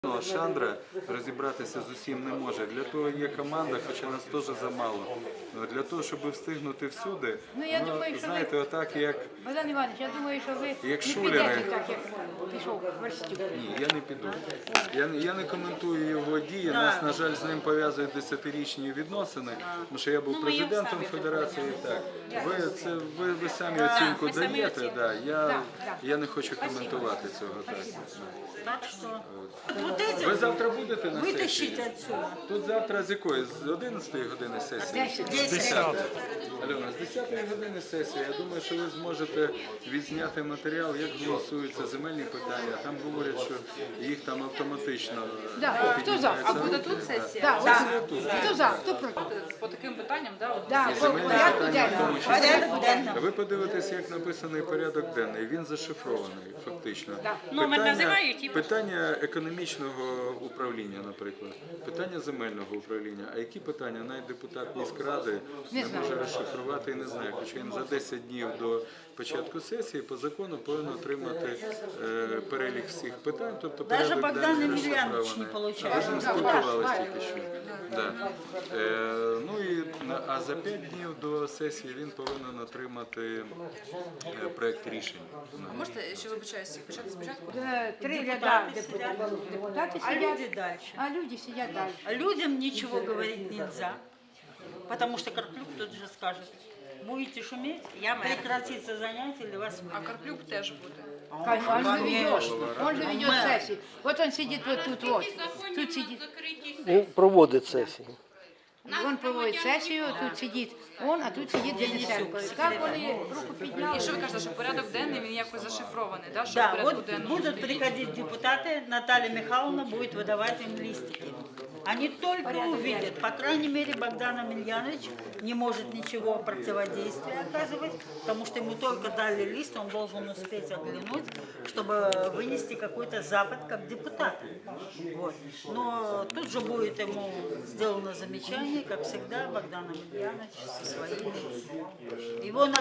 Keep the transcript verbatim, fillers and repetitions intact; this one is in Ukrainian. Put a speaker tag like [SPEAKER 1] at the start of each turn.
[SPEAKER 1] Ну, Шандра розібратися з усім не може. Для того є команда, хоча нас теж замало. Ну, для того, щоб встигнути всюди,
[SPEAKER 2] Ну, я
[SPEAKER 1] ну,
[SPEAKER 2] думаю, що
[SPEAKER 1] знаєте,
[SPEAKER 2] ви-
[SPEAKER 1] отак як...
[SPEAKER 2] Богдан Іванович, я думаю, що ви
[SPEAKER 1] Як
[SPEAKER 2] не
[SPEAKER 1] шулери.
[SPEAKER 2] підете так, як пішов Верстюк.
[SPEAKER 1] Ні, я не піду. Я, не- я не коментую його дії. Нас, на жаль, з ним пов'язують десятирічні відносини, тому що я був
[SPEAKER 3] Ну, ми їх
[SPEAKER 1] президентом
[SPEAKER 3] самі
[SPEAKER 1] федерації. Так. Ви, це, ви, ви самі оцінку
[SPEAKER 3] ми самі
[SPEAKER 1] даєте,
[SPEAKER 3] оцінку.
[SPEAKER 1] да. я,
[SPEAKER 2] Да, да.
[SPEAKER 1] я не хочу коментувати цього. Так.
[SPEAKER 3] Так что вот эти
[SPEAKER 1] Ви завтра будете на
[SPEAKER 3] вытащить
[SPEAKER 1] сесії?
[SPEAKER 3] отсюда.
[SPEAKER 1] Тут завтра з якої? З одинадцятої години сесії?
[SPEAKER 3] Десять.
[SPEAKER 1] Альона, з десятої години сесія. Я думаю, що ви зможете відзняти матеріал, як голосуються земельні питання. Там говорять, що їх там автоматично
[SPEAKER 2] Да, хто за?
[SPEAKER 1] піднімається
[SPEAKER 2] А
[SPEAKER 1] руки.
[SPEAKER 4] буде тут сесія?
[SPEAKER 2] Да,
[SPEAKER 1] Сесія
[SPEAKER 2] ось-
[SPEAKER 1] тут.
[SPEAKER 2] Хто за? Хто проти?
[SPEAKER 4] По таким питанням, да, от
[SPEAKER 2] Да,
[SPEAKER 1] І
[SPEAKER 2] по
[SPEAKER 1] земельні
[SPEAKER 2] порядку
[SPEAKER 1] питання в тому
[SPEAKER 2] денному.
[SPEAKER 1] числі.
[SPEAKER 3] Порядок денного.
[SPEAKER 1] Ви подивитесь, як написаний порядок денний. Він зашифрований, фактично.
[SPEAKER 3] Номер називають і-
[SPEAKER 1] питання економічного управління, наприклад, питання земельного управління. А які питання навіть депутат міськради не,
[SPEAKER 2] Не знаю.
[SPEAKER 1] може розшифрувати і не знає. Хоча він за десять днів до початку сесії по закону повинен отримати е, перелік всіх питань. Тобто
[SPEAKER 3] Даже
[SPEAKER 1] порядок
[SPEAKER 3] Богдан
[SPEAKER 1] денний
[SPEAKER 3] Емельянович
[SPEAKER 1] розшифрований.
[SPEAKER 3] не получає.
[SPEAKER 1] А ви з ним спілкувалися тільки що. Да. Е, ну і, на- а за п'ять днів до сесії він повинен отримати е, проект рішень.
[SPEAKER 4] можете, що вибачаюсь, почати спочатку?
[SPEAKER 2] Е, Три
[SPEAKER 3] Депутати
[SPEAKER 2] ряда
[SPEAKER 3] сидять.
[SPEAKER 2] депутатів, депутати
[SPEAKER 3] А люди
[SPEAKER 2] сидять,
[SPEAKER 3] дальше.
[SPEAKER 2] а люди сидять далі.
[SPEAKER 3] А людям ничего говорить нельзя, потому что Карплюк тут же скажет, будете шуметь, я прекратится занятие или вас
[SPEAKER 4] А Карплюк теж буде.
[SPEAKER 2] Конечно, он же ведет,
[SPEAKER 3] Конечно.
[SPEAKER 2] он же ведет
[SPEAKER 3] Мэр.
[SPEAKER 2] сессии. Вот он сидит вот тут вот, тут сидит.
[SPEAKER 5] Ну, проводить сесію.
[SPEAKER 2] Он проводит сессию, тут сидит он, а тут сидит Денисенко. Как вони руку підняли?
[SPEAKER 4] І що ви кажете, що порядок денний він якось зашифрований, да, що в
[SPEAKER 3] Да,
[SPEAKER 4] порядку
[SPEAKER 3] вот
[SPEAKER 4] денному
[SPEAKER 3] будут
[SPEAKER 4] стоїть?
[SPEAKER 3] приходить депутаты, Наталья Михайловна будет выдавать им листики. Они только увидят, по крайней мере, Богдан Емельянович не может ничего противодействия оказывать, потому что ему только дали лист, он должен успеть оглянуть, чтобы вынести какой-то запад как депутат. Вот. Но тут же будет ему сделано замечание, как всегда, Богдан Емельянович со своими. Его